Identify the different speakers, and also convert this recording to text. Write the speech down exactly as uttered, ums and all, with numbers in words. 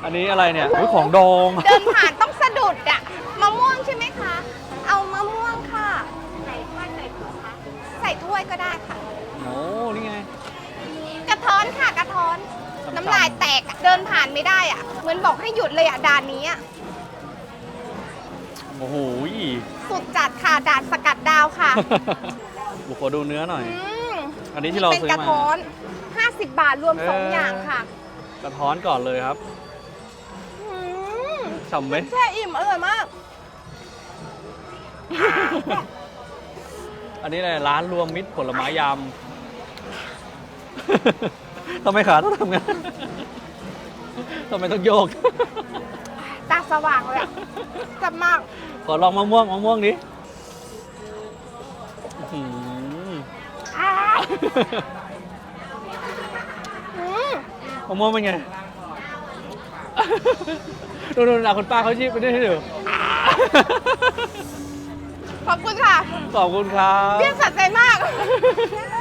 Speaker 1: อันนี้อะไรเนี่ยอุ๊ยของดอง
Speaker 2: เดินผ่านต้องสะดุดอะมะม่วงใช่ไหมคะ เอามะม่วงค่ะ ใส่ถ้วยใส่ถุงคะใส่ถ้วยก็ได้ค่ะ
Speaker 1: โอ้นี่ไง
Speaker 2: กระท้อนค่ะกระท้อน น้ำลายแตกอะเดินผ่านไม่ได้อะเหมือนบอกให้หยุดเลยอะด่านนี้อะ
Speaker 1: โอ้โห
Speaker 2: สุดจัดค่ะด่านสกัดดาวค่ะ
Speaker 1: บุกขอดูเนื้อหน่อย
Speaker 2: อืม
Speaker 1: อันนี้ที่เรา
Speaker 2: เป็น
Speaker 1: ซื้อก
Speaker 2: ระ
Speaker 1: มา
Speaker 2: ท้อนห้าสิบบาทรวมสอง
Speaker 1: เออ
Speaker 2: อ
Speaker 1: อ
Speaker 2: ย่างค่ะ
Speaker 1: กระท้อนก่อนเลยครับ
Speaker 2: อืม
Speaker 1: ฉ่ำไหม
Speaker 2: แช่อิ่มอร่อยมาก
Speaker 1: อันนี้เลยร้านรวมมิตรผลไม้ยำ ทำไมขาต้องทำงั้น ทำไมต้องโยก
Speaker 2: ตาสว่างเลยอะจับมาก
Speaker 1: ขอลองมะม่วงมะม่วงดิอื้อหือ
Speaker 2: อ้าวอืม
Speaker 1: มะม่วงเป็นไง ดูดูนะคุณป้าเขาชี้ไปด้วยให้ดู
Speaker 2: ขอบคุณค่ะ
Speaker 1: ขอบคุณครับ
Speaker 2: เรียกสัใจมาก